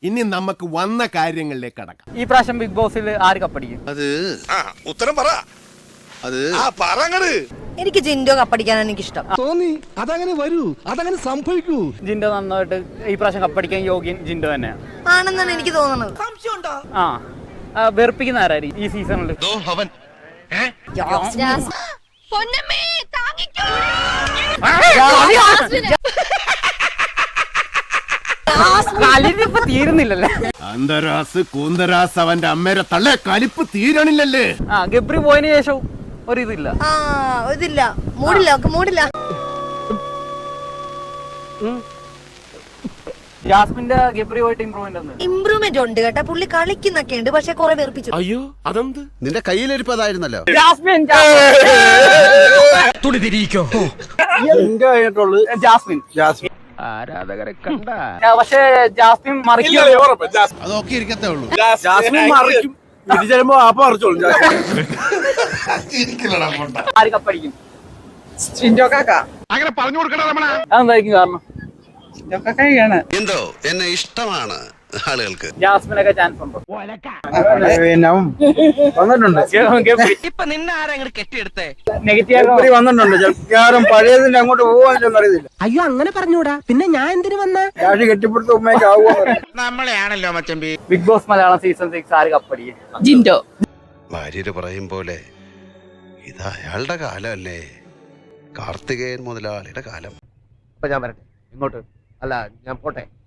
ഇനി നമുക്ക് വന്ന കാര്യങ്ങളിലേക്ക് കടക്കാം. ഈ പ്രാവശ്യം ബിഗ് ബോസിൽ ആര് കപ്പടിക്കും? അത് ഉത്തരം പറ. അത് പറങ്ങട്. എനിക്ക് ജിൻഡോ കപ്പടിക്കാനാണ് എനിക്കിഷ്ടം. തോന്നി അതങ്ങനെ വരൂ, അതങ്ങനെ സംഭവിക്കൂ. ജിൻഡോ നന്നായിട്ട് ഈ പ്രാവശ്യം കപ്പടിക്കാൻ യോഗ്യൻ ജിൻഡോ തന്നെയാണ് ആണെന്നാണ് എനിക്ക് തോന്നുന്നത്. വെറുപ്പിക്കുന്ന ആരായിരിക്കും ഈ സീസണിൽ? കലിപ്പ് തീരുന്നില്ലല്ലേ? അന്തരാസ് കൂന്തരാസ് അവന്റെ അമ്മേരെ തള്ളേ കലിപ്പ് തീരണില്ലല്ലേ? ഗബ്രി പോയതിനു ശേഷം ഒരിതില്ല. ഇതില്ല, മൂടില്ല. ജാസ്മിന്റെ ഗബ്രി പോയിട്ട് ഇമ്പ്രൂവ്മെന്റ് ഉണ്ട് കേട്ടാ. പുള്ളി കളിക്കുന്നൊക്കെ ഉണ്ട്, പക്ഷെ കുറെ വെറുപ്പിച്ചു. അയ്യോ അതെന്ത്? നിന്റെ കയ്യിലിരിപ്പതായിരുന്നല്ലോ. ജാസ്മിൻ ആരാധകരെ കണ്ട പക്ഷെ ജാസ്മിൻ മറിക്കും. അതൊക്കെ ഇരിക്കത്തേ ഉള്ളൂ. ആര് കപ്പടിക്കും? അങ്ങനെ പറഞ്ഞു കൊടുക്കണ രമണ. അതെന്തായിരിക്കും കാരണം? എന്തോ എന്നെ ഇഷ്ടമാണ് ആളുകൾക്ക്. ജാസ്മിനൊക്കെ ചാൻസ് ഉണ്ടോ? ഇപ്പൊ നിന്നെ ആരെങ്കിലും കെട്ടിയെടുത്തേ? നെഗറ്റീവ് വന്നിട്ടുണ്ട്. പഴയതിന്റെ അങ്ങോട്ട് പോവാൻ അറിയത്തില്ല. അയ്യോ അങ്ങനെ പറഞ്ഞൂടാ, പിന്നെ ഞാൻ എന്തിനു വന്ന കെട്ടിപ്പിടുത്ത ഉമ്മയൊക്കെ ആവുക. നമ്മളെയാണല്ലോ മച്ചമ്പി. ബിഗ് ബോസ് മലയാളം സീസൺ 6 ആര് കപ്പടിക്കും? ജിൻഡോ. ഭാര്യര് പറയും പോലെ ഇത് അയാളുടെ കാലമല്ലേ, കാർത്തികേയൻ മുതലാളിയുടെ കാലം. ഞാൻ വരട്ടെ ഇങ്ങോട്ട്. അല്ല ഞാൻ പോട്ടെ.